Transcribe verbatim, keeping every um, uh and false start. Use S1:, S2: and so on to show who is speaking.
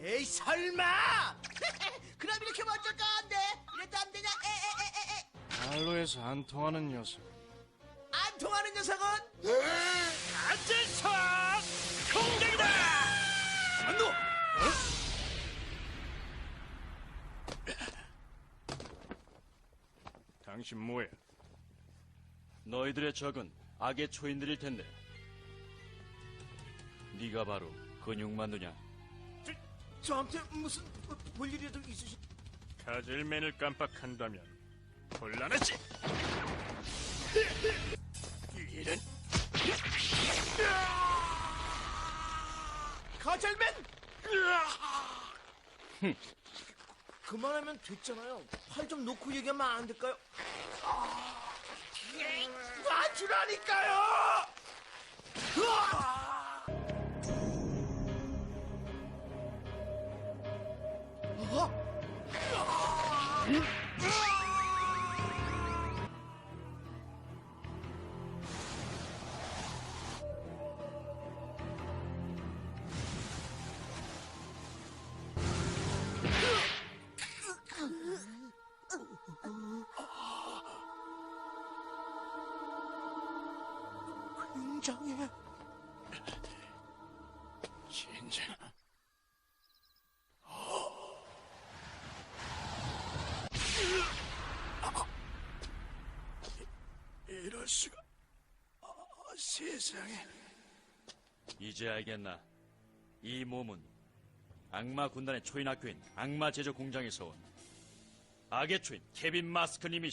S1: 에이 설마! 그럼 이렇게 먼저 가는데 이래도 안 되냐? 에에에에에
S2: 말로 해서 안 통하는 녀석.
S1: 안 통하는 녀석은?
S3: 안전선 공격이다!
S1: 안노!
S2: 당신 뭐야?
S3: 너희들의 적은 악의 초인들일 텐데 네가 바로 근육만두냐?
S1: 저, 저한테 무슨 볼 일이라도 있으시...
S2: 가젤맨을 깜빡한다면 곤란하지. 이런
S1: 가젤맨! 그만하면 됐잖아요. 팔 좀 놓고 얘기하면 안 될까요? 놔주라니까요! 굉장해.
S2: 진짜. 이럴 수가. 아, 세상에.
S3: 이제 알겠나? 이 몸은 악마 군단의 초인 학교인 악마 제조 공장에서 온 악의 초인 케빈 마스크님이